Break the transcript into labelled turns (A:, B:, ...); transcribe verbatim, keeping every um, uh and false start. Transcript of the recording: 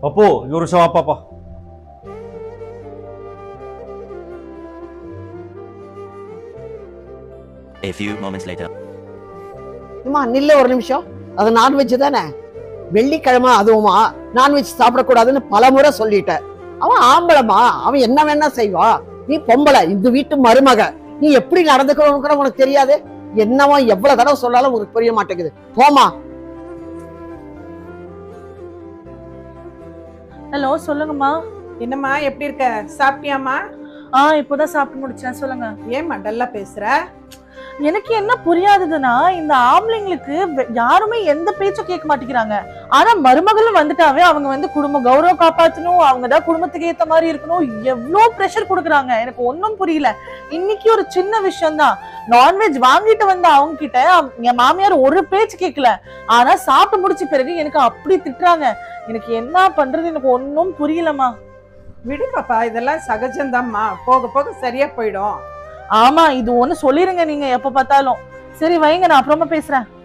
A: அப்போ ஒரு நிமிஷம் வாப்பாப்பா.
B: A few moments later.
C: அம்மா நில்ல ஒரு நிமிஷம். அது நான்வெஜ் தானே, வெள்ளிக்கிழமை அதுவுமா நான்வெஜ் சாப்பிடக்கூடாதுன்னு பல முறை சொல்லிட்ட. அவன் ஆம்பளமா, அவன் என்ன வேணா செய்வா. நீ பொம்பளை, இந்த வீட்டு மருமக, நீ எப்படி நடந்துக்கணும்னு கூட உனக்கு தெரியாது. என்னவோ எவ்வளவு தடவை சொன்னாலும் உனக்கு புரிய மாட்டேங்குது. போமா.
D: ஹலோ, சொல்லுங்கம்மா.
E: என்னம்மா எப்படி இருக்க? சாப்பிட்டியாம்மா?
D: ஆ இப்போதான் சாப்பிட்டு முடிச்சேன். சொல்லுங்க.
E: ஏம்மா டல்லா பேசுற?
D: எனக்கு என்ன புரியாதுன்னா, இந்த ஆம்பளைங்களுக்கு யாருமே எந்த பேச்சும் கேட்க மாட்டேங்கிறாங்க. ஆனா மருமகளும் வந்துட்டாவே அவங்க வந்து குடும்ப கௌரவம் காப்பாற்றணும், அவங்கதான் குடும்பத்துக்கு ஏத்த மாதிரி இருக்கணும், எவ்வளவு பிரஷர் கொடுக்குறாங்க. எனக்கு ஒன்னும் புரியல. இன்னைக்கு ஒரு சின்ன விஷயம் தான், நான்வெஜ் வாங்கிட்டு வந்த அவங்க கிட்ட என் மாமியார் ஒரு பேச்சு கேட்கல. ஆனா சாப்பிட்டு முடிச்ச பிறகு எனக்கு அப்படி திட்டுறாங்க. எனக்கு என்ன பண்றது எனக்கு ஒன்னும் புரியலம்மா.
E: விடு பாப்பா, இதெல்லாம் சகஜம்தாம்மா, போக போக சரியா போயிடும்.
D: ஆமா, இது ஒண்ணு சொல்லிருங்க நீங்க எப்ப பார்த்தாலும். சரி வைங்க, நான் அப்புறமா பேசுறேன்.